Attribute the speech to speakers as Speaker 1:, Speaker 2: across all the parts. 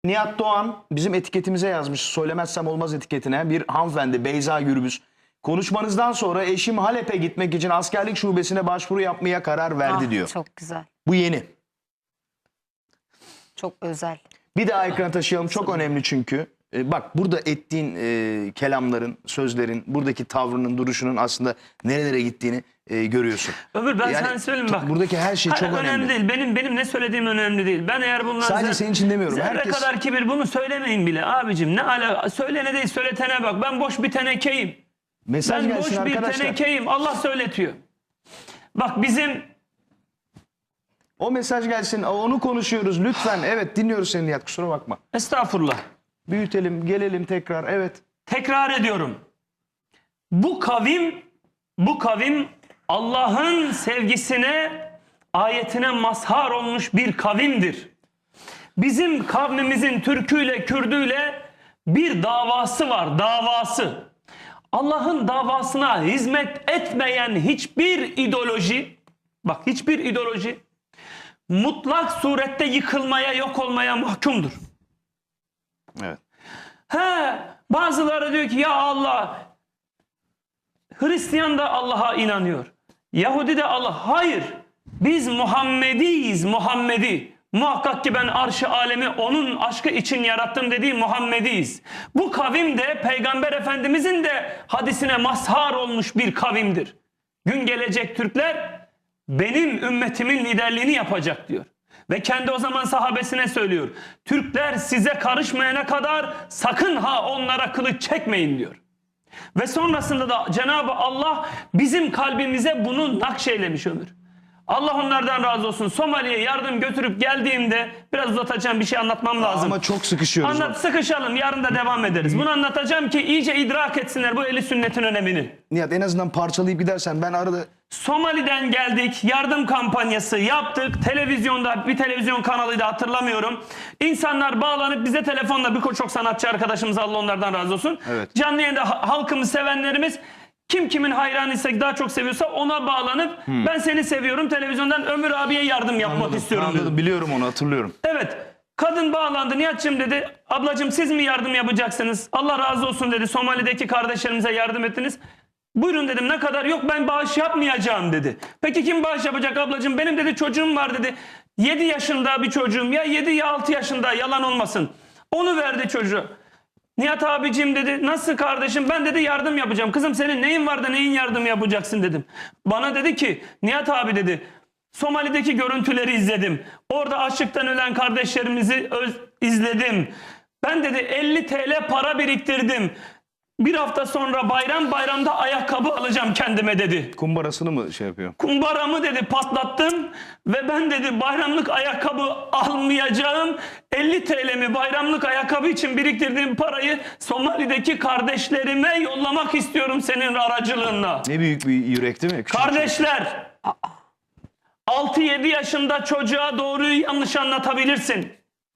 Speaker 1: Nihat Doğan bizim etiketimize yazmış. Söylemezsem olmaz etiketine. Bir hanımefendi Beyza Gürbüz. Konuşmanızdan sonra eşim Halep'e gitmek için askerlik şubesine başvuru yapmaya karar verdi diyor.
Speaker 2: Çok güzel.
Speaker 1: Bu yeni.
Speaker 2: Çok özel.
Speaker 1: Bir daha ekrana taşıyalım. Çok önemli çünkü. Bak burada ettiğin kelamların, sözlerin, buradaki tavrının, duruşunun aslında nerelere gittiğini görüyorsun.
Speaker 3: Ömür ben
Speaker 1: Yani
Speaker 3: sana söyleyeyim bak.
Speaker 1: buradaki her şey çok önemli.
Speaker 3: değil. Benim ne söylediğim önemli değil. Ben eğer bundan
Speaker 1: Sadece senin için demiyorum.
Speaker 3: zerre
Speaker 1: Herkes...
Speaker 3: kadar kibir bunu söylemeyin bile abicim. Ne ala söylene değil söyletene bak. Ben boş bir tenekeyim.
Speaker 1: Mesaj
Speaker 3: Ben
Speaker 1: gelsin
Speaker 3: boş bir
Speaker 1: arkadaşlar.
Speaker 3: tenekeyim. Allah söyletiyor. Bak bizim
Speaker 1: O mesaj gelsin. Onu konuşuyoruz lütfen. Evet dinliyoruz seni Nihat. Kusura bakma.
Speaker 3: estağfurullah.
Speaker 1: Büyütelim, gelelim tekrar. Evet.
Speaker 3: Tekrar ediyorum. Bu kavim Allah'ın sevgisine, ayetine mazhar olmuş bir kavimdir. Bizim kavmimizin Türküyle, Kürdüyle bir davası var, davası. Allah'ın davasına hizmet etmeyen hiçbir ideoloji, bak hiçbir ideoloji mutlak surette yıkılmaya, yok olmaya mahkumdur.
Speaker 1: Evet.
Speaker 3: Bazıları diyor ki ya Allah, Hristiyan da Allah'a inanıyor. Yahudi de Allah. Hayır. Biz Muhammediyiz. Muhammedi. Muhakkak ki ben arş-ı alemi onun aşkı için yarattım dediği Muhammediyiz. Bu kavim de Peygamber Efendimizin de hadisine mazhar olmuş bir kavimdir. Gün gelecek Türkler benim ümmetimin liderliğini yapacak diyor. Ve kendi o zaman sahabesine söylüyor. Türkler size karışmayana kadar sakın ha onlara kılıç çekmeyin diyor. Ve sonrasında da Cenab-ı Allah bizim kalbimize bunu nakşeylemiş Ömür. Allah onlardan razı olsun. Somali'ye yardım götürüp geldiğimde biraz uzatacağım bir şey anlatmam lazım.
Speaker 1: Ama çok sıkışıyoruz.
Speaker 3: Sıkışalım yarın da devam ederiz. Bunu anlatacağım ki iyice idrak etsinler bu ehli sünnetin önemini.
Speaker 1: Nihat en azından parçalayıp gidersen ben arada...
Speaker 3: Somali'den geldik, yardım kampanyası yaptık. Televizyonda bir televizyon kanalıydı hatırlamıyorum. İnsanlar bağlanıp bize telefonla birçok sanatçı arkadaşımız Allah onlardan razı olsun.
Speaker 1: Evet.
Speaker 3: Canlı yayında halkımız, sevenlerimiz kim kimin hayranıysa daha çok seviyorsa ona bağlanıp ben seni seviyorum televizyondan Ömür abiye yardım yapmak istiyorum
Speaker 1: Anladım,
Speaker 3: dedi.
Speaker 1: biliyorum onu hatırlıyorum.
Speaker 3: Evet. Kadın bağlandı. Nihat'cığım dedi. Ablacığım siz mi yardım yapacaksınız? Allah razı olsun dedi. Somali'deki kardeşlerimize yardım ettiniz. Buyurun dedim ne kadar? Yok ben bağış yapmayacağım dedi. Peki kim bağış yapacak ablacığım? Benim dedi çocuğum var dedi. 7 yaşında bir çocuğum ya 7 ya 6 yaşında yalan olmasın. Onu verdi çocuğu. Nihat abicim dedi nasıl kardeşim ben dedi yardım yapacağım. Kızım senin neyin var da neyin yardım yapacaksın dedim. Bana dedi ki Nihat abi dedi Somali'deki görüntüleri izledim. Orada açlıktan ölen kardeşlerimizi izledim. Ben dedi 50 TL para biriktirdim. Bir hafta sonra bayramda ayakkabı alacağım kendime dedi.
Speaker 1: Kumbarasını mı şey yapıyor?
Speaker 3: Kumbaramı dedi patlattım ve ben dedi bayramlık ayakkabı almayacağım. 50 TL'mi bayramlık ayakkabı için biriktirdiğim parayı Somali'deki kardeşlerime yollamak istiyorum senin aracılığınla.
Speaker 1: Ne büyük bir yürek değil mi? Küçük
Speaker 3: Kardeşler 6-7 yaşında çocuğa doğruyu yanlış anlatabilirsin.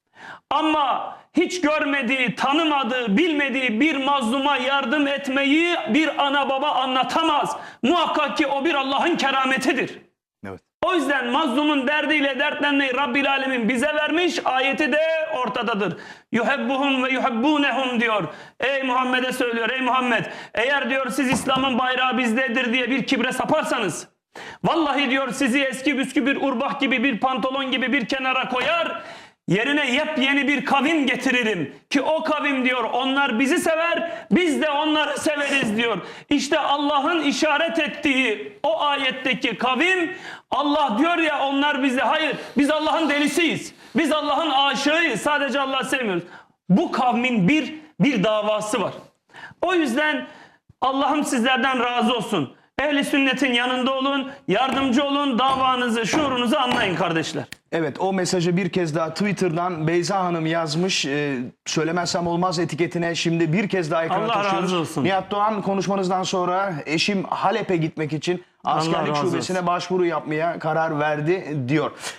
Speaker 3: Ama hiç görmediği, tanımadığı, bilmediği bir mazluma yardım etmeyi bir ana baba anlatamaz. Muhakkak ki o bir Allah'ın kerametidir.
Speaker 1: Evet.
Speaker 3: O yüzden mazlumun derdiyle dertlenmeyi Rabbil Alemin bize vermiş. Ayeti de ortadadır. Yuhebbuhum ve yuhebbunehum diyor. Ey Muhammed'e söylüyor. Ey Muhammed eğer diyor siz İslam'ın bayrağı bizdedir diye bir kibre saparsanız vallahi diyor sizi eski büskü bir urbah gibi bir pantolon gibi bir kenara koyar. Yerine yepyeni bir kavim getiririm ki o kavim diyor onlar bizi sever biz de onları severiz diyor. İşte Allah'ın işaret ettiği o ayetteki kavim Allah diyor ya onlar bize hayır biz Allah'ın delisiyiz. Biz Allah'ın aşığıyız sadece Allah'ı sevmiyoruz. Bu kavmin bir davası var. O yüzden Allah'ım sizlerden razı olsun. Ehli sünnetin yanında olun, yardımcı olun, davanızı, şuurunuzu anlayın kardeşler.
Speaker 1: Evet o mesajı bir kez daha Twitter'dan Beyza Hanım yazmış. Söylemezsem olmaz etiketine şimdi bir kez daha ekrana
Speaker 3: Allah
Speaker 1: taşıyoruz.
Speaker 3: razı olsun.
Speaker 1: Nihat Doğan konuşmanızdan sonra eşim Halep'e gitmek için askerlik
Speaker 3: razı
Speaker 1: şubesine başvuru yapmaya karar verdi diyor.